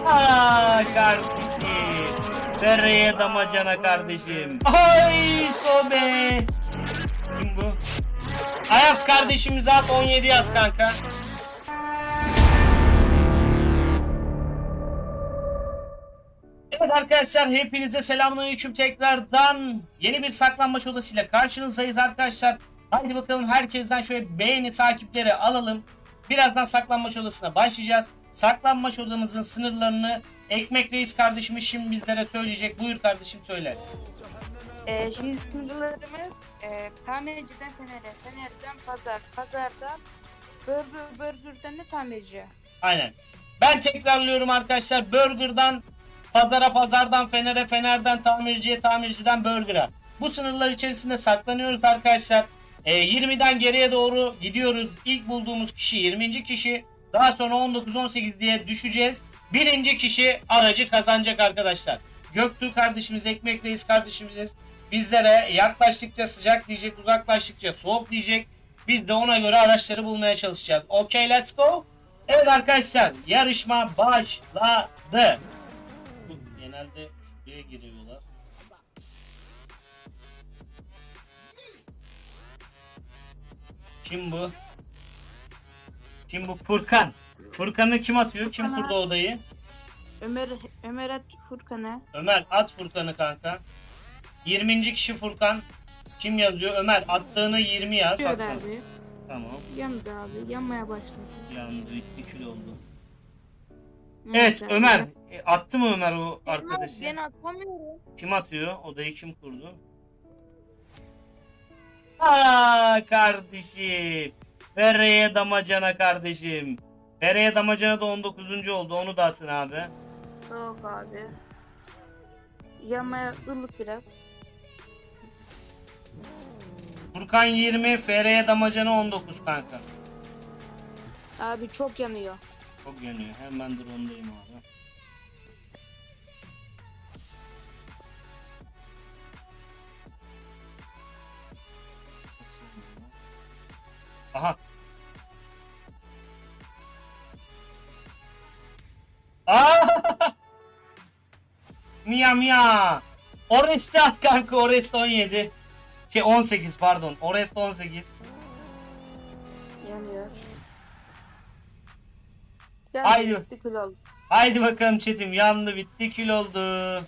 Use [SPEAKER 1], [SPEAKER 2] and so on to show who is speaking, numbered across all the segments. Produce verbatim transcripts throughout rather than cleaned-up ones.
[SPEAKER 1] Aa kardeşim. Dereye damacana kardeşim. Ay sobe. Kim bu? Ayaz kardeşimize at on yedi yaz kanka. Evet arkadaşlar hepinize selamünaleyküm tekrardan yeni bir saklanmaç odasıyla karşınızdayız arkadaşlar. Haydi bakalım herkesten şöyle beğeni takipleri alalım. Birazdan saklanmaç odasına başlayacağız. Saklanmaç odamızın sınırlarını Ekmek Reis kardeşimiz şimdi bizlere söyleyecek. Buyur kardeşim söyle.
[SPEAKER 2] Ee, şimdi sınırlarımız e, tamirciden Fener'e, Fener'den Pazar, Pazardan Burger, Burger'den de tamirci.
[SPEAKER 1] Aynen. Ben tekrarlıyorum arkadaşlar. Burger'dan Pazara, Pazardan Fener'e, Fener'den tamirciye, tamirciden Burger'a. Bu sınırlar içerisinde saklanıyoruz arkadaşlar. E, yirmiden geriye doğru gidiyoruz. İlk bulduğumuz kişi yirminci kişi. Daha sonra on dokuz on sekiz diye düşeceğiz. Birinci kişi aracı kazanacak arkadaşlar. Göktuğ kardeşimiz, Ekmek Reis kardeşimiz bizlere yaklaştıkça sıcak diyecek, uzaklaştıkça soğuk diyecek. Biz de ona göre araçları bulmaya çalışacağız. Okay, let's go. Evet arkadaşlar, yarışma başladı. Genelde şuraya giriyorlar. Kim bu? Kim bu? Furkan. Furkan'ı kim atıyor? Kim kurdu odayı?
[SPEAKER 2] Ömer, Ömer at Furkan'a.
[SPEAKER 1] Ömer at Furkan'ı kanka. yirminci kişi Furkan. Kim yazıyor? Ömer attığını yirmi yaz.
[SPEAKER 2] Yandı abi.
[SPEAKER 1] Tamam.
[SPEAKER 2] Yandı abi. Yanmaya başladı.
[SPEAKER 1] Yandı. iki kilo oldu.
[SPEAKER 2] Yandı
[SPEAKER 1] Evet
[SPEAKER 2] abi.
[SPEAKER 1] Ömer. E, attı mı Ömer o arkadaşı?
[SPEAKER 2] Ben atamıyorum.
[SPEAKER 1] Kim atıyor? Odayı kim kurdu? Aa kardeşim. Dereye damacana kardeşim. Dereye damacana da on dokuzuncu oldu. Onu da atın abi.
[SPEAKER 2] Soğuk abi. Yanmaya ılık biraz.
[SPEAKER 1] Furkan yirmi. F R'ye damacana on dokuz kanka.
[SPEAKER 2] Abi çok yanıyor.
[SPEAKER 1] Çok yanıyor. Hemen drone'dayım abi. Aha. Aa! Mia Mia. Oreste at kanka. Oreste on yedi. Şey on sekiz pardon. Oreste on sekiz.
[SPEAKER 2] Yanıyor.
[SPEAKER 1] Haydi.
[SPEAKER 2] Yandı, bitti, kül oldu.
[SPEAKER 1] Haydi bakalım chatim. Yandı bitti kül oldu.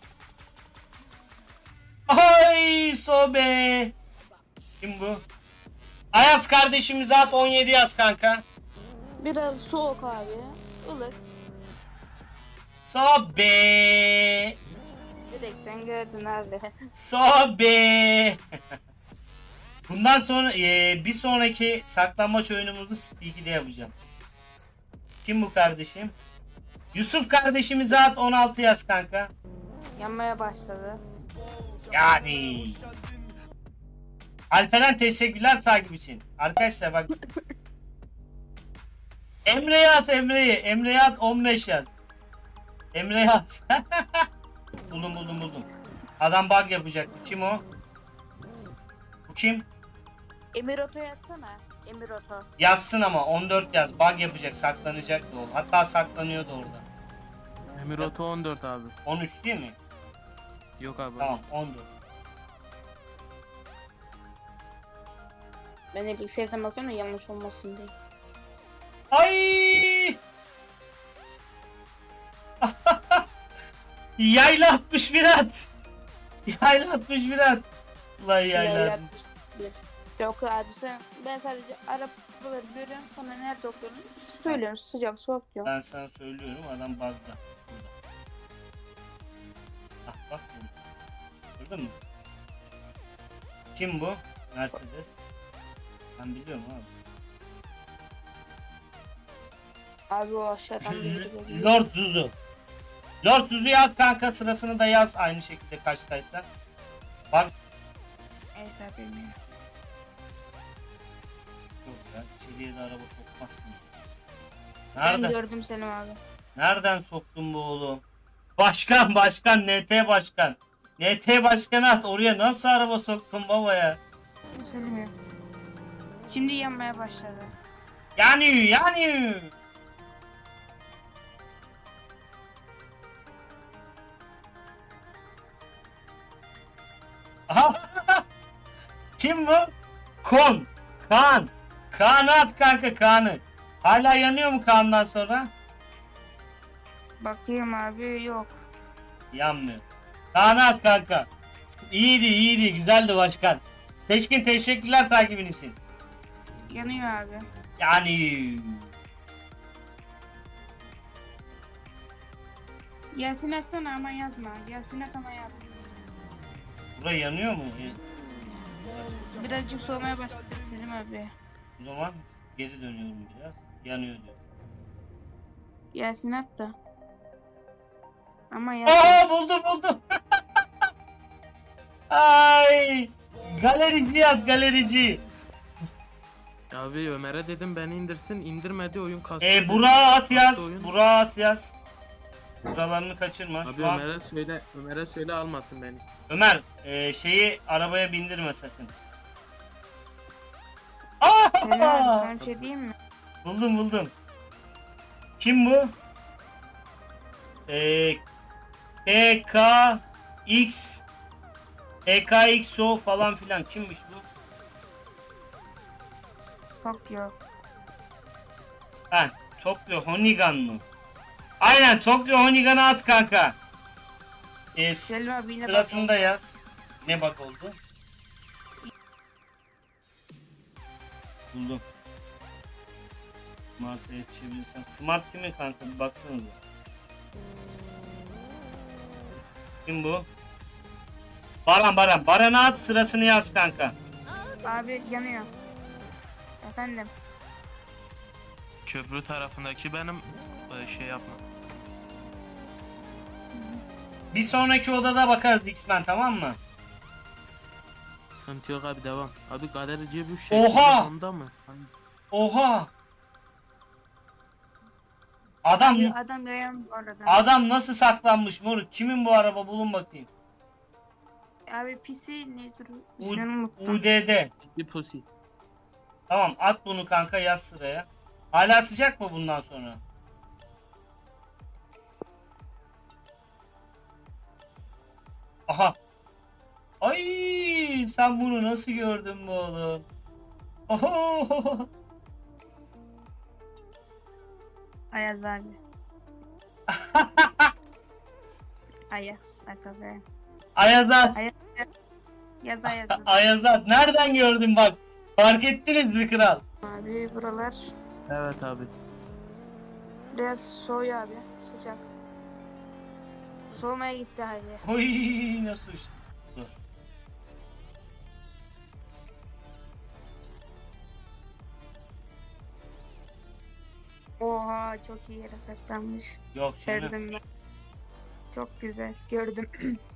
[SPEAKER 1] Ay sobe. Kim bu? Ayaz kardeşimize at on yedi yaz kanka.
[SPEAKER 2] Biraz soğuk abi. Ilık.
[SPEAKER 1] Sobe.
[SPEAKER 2] Direkten gördün abi.
[SPEAKER 1] Sobe. Bundan sonra e, bir sonraki saklanmaç oyunumuzu Stiki'de yapacağım. Kim bu kardeşim? Yusuf kardeşimize at on altı yaz kanka.
[SPEAKER 2] Yanmaya başladı.
[SPEAKER 1] Yani. Alperen teşekkürler takip için. Arkadaşlar bak. Emre'ye at Emre'yi. Emre'ye at on beş yaz. Emre'ye at. buldum buldum buldum. Adam bug yapacak. Kim o? Bu kim?
[SPEAKER 2] Emiroto yazsana. Emiroto.
[SPEAKER 1] Yazsın ama on dört yaz. Bug yapacak. Saklanacak da o. Hatta saklanıyordu orada.
[SPEAKER 3] Emiroto on dört abi.
[SPEAKER 1] on üç değil mi?
[SPEAKER 3] Yok abi.
[SPEAKER 1] Tamam on dört.
[SPEAKER 2] Ben de bilgisayardan bakıyorum da yanlış olmasın diye.
[SPEAKER 1] Ay! Yayla altmış bir at. Yayla altmış bir at. Ulan yayla. altmış bir.
[SPEAKER 2] Yok abi sen, ben sadece arabaları görüyorum, sonra nerede okuyorum söylüyorum, sıcak soğuk diyorum.
[SPEAKER 1] Ben sana söylüyorum adam bug'da. Burada. Ah bak burada. Gördün mü? Kim bu? Mercedes. Ben biliyorum abi.
[SPEAKER 2] Abi o aşağıdan biri geliyor.
[SPEAKER 1] Lord Zuzu. Lord Zuzu'yu at kanka, sırasını da yaz aynı şekilde kaçtaysa. Bak.
[SPEAKER 2] Evet abi bilmiyorum.
[SPEAKER 1] Yok ya, içeriye de araba sokmazsın.
[SPEAKER 2] Ben
[SPEAKER 1] Nereden?
[SPEAKER 2] gördüm seni abi.
[SPEAKER 1] Nereden soktun bu oğlum? Başkan başkan N T başkan. N T başkanı at, oraya nasıl araba soktun baba ya?
[SPEAKER 2] Söylemiyorum. Şimdi yanmaya başladı.
[SPEAKER 1] Yani yani. Aha! Kim bu? Kon. Kaan. Kaan'ı at kanka Kaan'ı. Hala yanıyor mu Kaan'dan sonra?
[SPEAKER 2] Bakayım abi, yok.
[SPEAKER 1] Yanmıyor. Kaan'ı at kanka. İyiydi iyiydi güzeldi başkan. Teşkin teşekkürler takibin için.
[SPEAKER 2] Yanıyor abi.
[SPEAKER 1] Yani
[SPEAKER 2] Yasin atsana ama yazma. Yasin at ama yaz.
[SPEAKER 1] bura yanıyor mu? E,
[SPEAKER 2] Birazcık soğumaya başladı Selim abi.
[SPEAKER 1] O zaman geri dönüyorum biraz. Yanıyor diyor.
[SPEAKER 2] Yasin at da. Ama yaz.
[SPEAKER 1] Aa buldum buldum. Ay galerici yaz galerici.
[SPEAKER 3] Abi Ömer'e dedim beni indirsin, indirmedi, oyun kastı.
[SPEAKER 1] E
[SPEAKER 3] dedi.
[SPEAKER 1] Burak'a at
[SPEAKER 3] Kastı
[SPEAKER 1] yaz.
[SPEAKER 3] oyun.
[SPEAKER 1] Burak'a at yaz. Buralarını kaçırma.
[SPEAKER 3] Abi
[SPEAKER 1] Şu an
[SPEAKER 3] Ömer'e söyle, Ömer'e söyle almasın beni.
[SPEAKER 1] Ömer e, şeyi arabaya bindirme sakın. Aa!
[SPEAKER 2] Selim abi sana bir şey diyeyim mi?
[SPEAKER 1] Buldum buldum. Kim bu? Ee, E K X E K X O falan filan kimmiş bu?
[SPEAKER 2] Tokyo.
[SPEAKER 1] Ha, Tokyo Honigan mı? Aynen Tokyo Honigan'ı at kanka. Ee, s-
[SPEAKER 2] Selim abi yine
[SPEAKER 1] sırasında yaz. Ne bak oldu? Buldum. Smart'a yetişebilirsem. Smart kimi kanka bir baksanıza. Kim bu? Baran Baran. Baran'a at sırasını yaz kanka.
[SPEAKER 2] bak. Abi yanıyor. Efendim.
[SPEAKER 3] Köprü tarafındaki benim e, şey yapma.
[SPEAKER 1] Bir sonraki odada bakarız X-Men tamam mı?
[SPEAKER 3] Sıkıntı yok abi, devam. Abi galerici bu şey.
[SPEAKER 1] Oha!
[SPEAKER 3] Onda mı? Hani
[SPEAKER 1] Oha! Adam
[SPEAKER 2] Abi adam yayan bu arada.
[SPEAKER 1] adam nasıl saklanmış moruk? Kimin bu araba bulun bakayım.
[SPEAKER 2] Abi pisi nedir?
[SPEAKER 1] U-
[SPEAKER 2] İsmini unuttum.
[SPEAKER 1] U D D.
[SPEAKER 3] bir pusi.
[SPEAKER 1] Tamam at bunu kanka yaz sıraya. Hala sıcak mı bundan sonra? Aha. Ay sen bunu nasıl gördün bu oğlum? Oho.
[SPEAKER 2] Ayaz abi. Ayaz. Aka be.
[SPEAKER 1] Ayazat.
[SPEAKER 2] Ayaz. Yaz Ayaz.
[SPEAKER 1] Ayazat. Nereden gördün bak? Fark ettiniz mi kral?
[SPEAKER 2] Abi buralar
[SPEAKER 3] Evet abi.
[SPEAKER 2] biraz soğuyor abi. Sıcak. Soğumaya gitti abi.
[SPEAKER 1] Oy nasıl uçtu? Dur.
[SPEAKER 2] Oha çok iyi yere saklanmış.
[SPEAKER 1] Yok canım.
[SPEAKER 2] Gördüm ben. Çok güzel. Gördüm.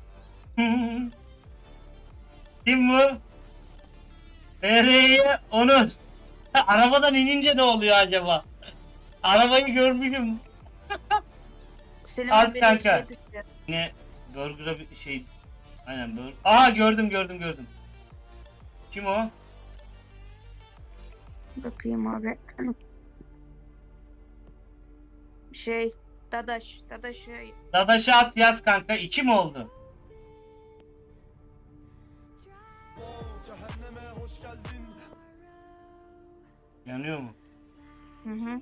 [SPEAKER 1] Kim bu? F R'ye Onur. Arabadan inince ne oluyor acaba? Arabayı görmüşüm.
[SPEAKER 2] Selim
[SPEAKER 1] Az
[SPEAKER 2] abi
[SPEAKER 1] kanka.
[SPEAKER 2] şey düştü.
[SPEAKER 1] Yine burger'a bir şey. Aynen burger. Aha gördüm gördüm gördüm. Kim o?
[SPEAKER 2] Bakayım abi. Şey. Dadaş. Dadaş şey.
[SPEAKER 1] Dadaş'a at yaz kanka. İki mi oldu? Yanıyor mu?
[SPEAKER 2] Hı hı.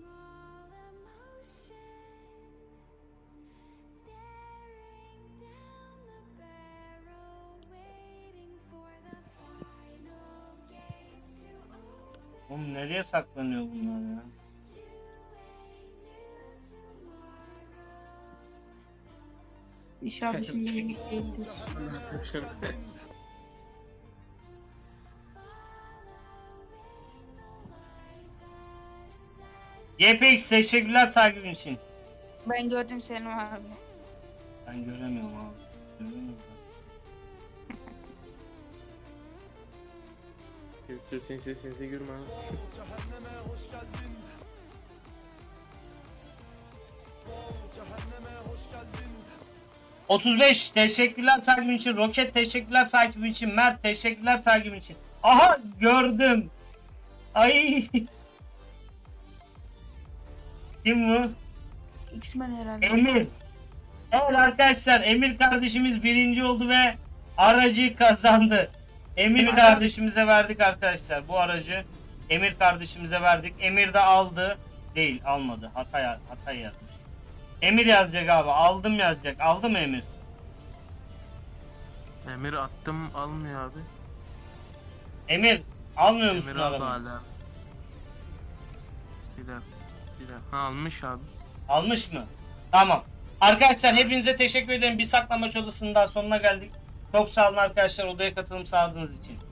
[SPEAKER 1] Oğlum nereye saklanıyor bunlar ya?
[SPEAKER 2] İnşallah düşündüğüm gibi değildir.
[SPEAKER 1] Y P X teşekkürler takibin için.
[SPEAKER 2] Ben gördüm Selim abi.
[SPEAKER 1] Ben göremiyorum abi. Görüyor musun?
[SPEAKER 3] Dur sinsi sinsi gülme.
[SPEAKER 1] otuz beş teşekkürler takibin için. Roket teşekkürler takibin için. Mert teşekkürler takibin için. Aha gördüm. Ay. Kim bu?
[SPEAKER 2] X-Men herhalde.
[SPEAKER 1] Emir. Evet arkadaşlar Emir kardeşimiz birinci oldu ve Aracı kazandı. Emir kardeşimize verdik arkadaşlar bu aracı. Emir kardeşimize verdik. Emir de aldı. Değil almadı. Hata, hata yazmış. Emir yazacak abi. Aldım yazacak. Aldı mı Emir?
[SPEAKER 3] Emir attım almıyor abi.
[SPEAKER 1] Emir almıyor musun
[SPEAKER 3] Emir aldı
[SPEAKER 1] arabayı?
[SPEAKER 3] hala. Bir dakika. Bir dakika. Ha almış abi.
[SPEAKER 1] Almış mı? Tamam. Arkadaşlar hepinize teşekkür ederim. Bir saklamaç odasının daha sonuna geldik. Çok sağ olun arkadaşlar odaya katılım sağladığınız için.